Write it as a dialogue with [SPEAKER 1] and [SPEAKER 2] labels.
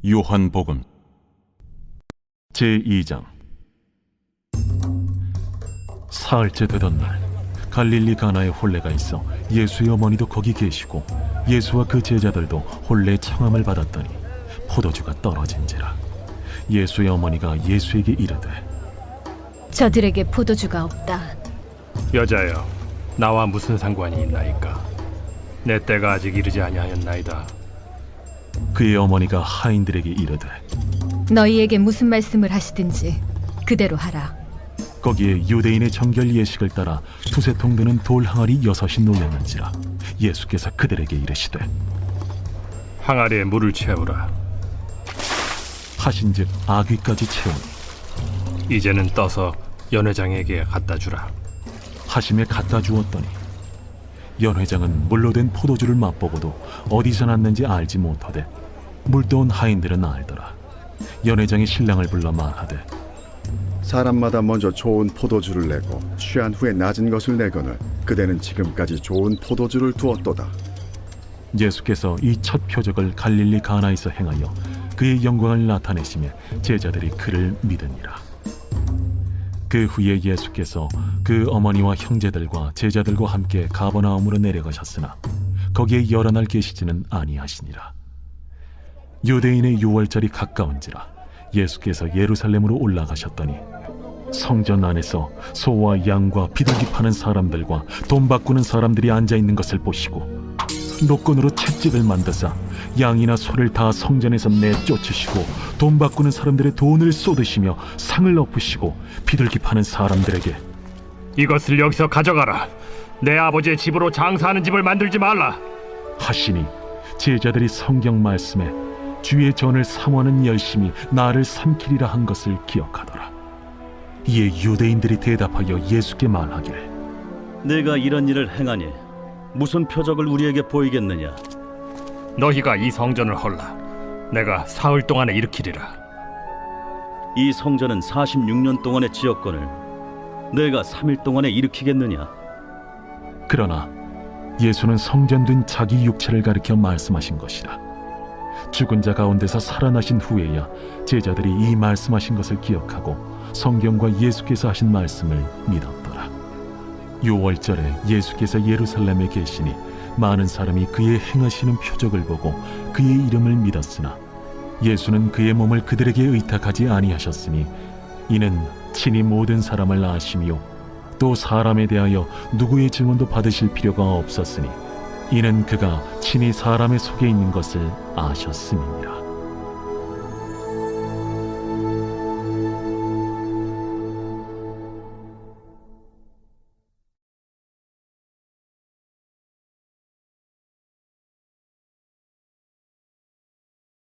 [SPEAKER 1] 요한복음 제2장. 사흘째 되던 날, 갈릴리 가나에 혼례가 있어 예수의 어머니도 거기 계시고 예수와 그 제자들도 혼례 청함을 받았더니 포도주가 떨어진지라. 예수의 어머니가 예수에게 이르되,
[SPEAKER 2] 저들에게 포도주가 없다.
[SPEAKER 3] 여자여, 나와 무슨 상관이 있나이까? 내 때가 아직 이르지 아니하였나이다.
[SPEAKER 1] 그의 어머니가 하인들에게 이르되,
[SPEAKER 2] 너희에게 무슨 말씀을 하시든지 그대로 하라.
[SPEAKER 1] 거기에 유대인의 정결 예식을 따라 두세 통 드는 돌 항아리 6이 놓였는지라. 예수께서 그들에게 이르시되,
[SPEAKER 3] 항아리에 물을 채우라.
[SPEAKER 1] 하신즉 아귀까지 채우니
[SPEAKER 3] 이제는 떠서 연회장에게 갖다 주라.
[SPEAKER 1] 하심에 갖다 주었더니 연회장은 물로 된 포도주를 맛보고도 어디서 났는지 알지 못하되 물도온 하인들은 알더라. 연회장이 신랑을 불러 말하되,
[SPEAKER 4] 사람마다 먼저 좋은 포도주를 내고 취한 후에 낮은 것을 내거늘 그대는 지금까지 좋은 포도주를 두었도다.
[SPEAKER 1] 예수께서 이 첫 표적을 갈릴리 가나에서 행하여 그의 영광을 나타내시며 제자들이 그를 믿으니라. 그 후에 예수께서 그 어머니와 형제들과 제자들과 함께 가버나움으로 내려가셨으나 거기에 여러 날 계시지는 아니하시니라. 유대인의 유월절이 가까운지라 예수께서 예루살렘으로 올라가셨더니 성전 안에서 소와 양과 비둘기 파는 사람들과 돈 바꾸는 사람들이 앉아있는 것을 보시고 노건으로 채찍을 만드사 양이나 소를 다 성전에서 내쫓으시고 돈 바꾸는 사람들의 돈을 쏟으시며 상을 엎으시고 비둘기 파는 사람들에게,
[SPEAKER 3] 이것을 여기서 가져가라. 내 아버지의 집으로 장사하는 집을 만들지 말라
[SPEAKER 1] 하시니 제자들이 성경 말씀에 주의 전을 사모하는 열심히 나를 삼키리라 한 것을 기억하더라. 이에 유대인들이 대답하여 예수께 말하기를,
[SPEAKER 5] 내가 이런 일을 행하니 무슨 표적을 우리에게 보이겠느냐?
[SPEAKER 3] 너희가 이 성전을 헐라. 내가 사흘 동안에 일으키리라.
[SPEAKER 5] 이 성전은 46년 동안의 지었거늘 내가 3일 동안에 일으키겠느냐?
[SPEAKER 1] 그러나 예수는 성전된 자기 육체를 가리켜 말씀하신 것이라. 죽은 자 가운데서 살아나신 후에야 제자들이 이 말씀하신 것을 기억하고 성경과 예수께서 하신 말씀을 믿었더라. 유월절에 예수께서 예루살렘에 계시니 많은 사람이 그의 행하시는 표적을 보고 그의 이름을 믿었으나 예수는 그의 몸을 그들에게 의탁하지 아니하셨으니 이는 친히 모든 사람을 아시며 또 사람에 대하여 누구의 증언도 받으실 필요가 없었으니 이는 그가 친히 사람의 속에 있는 것을 아셨음이니라.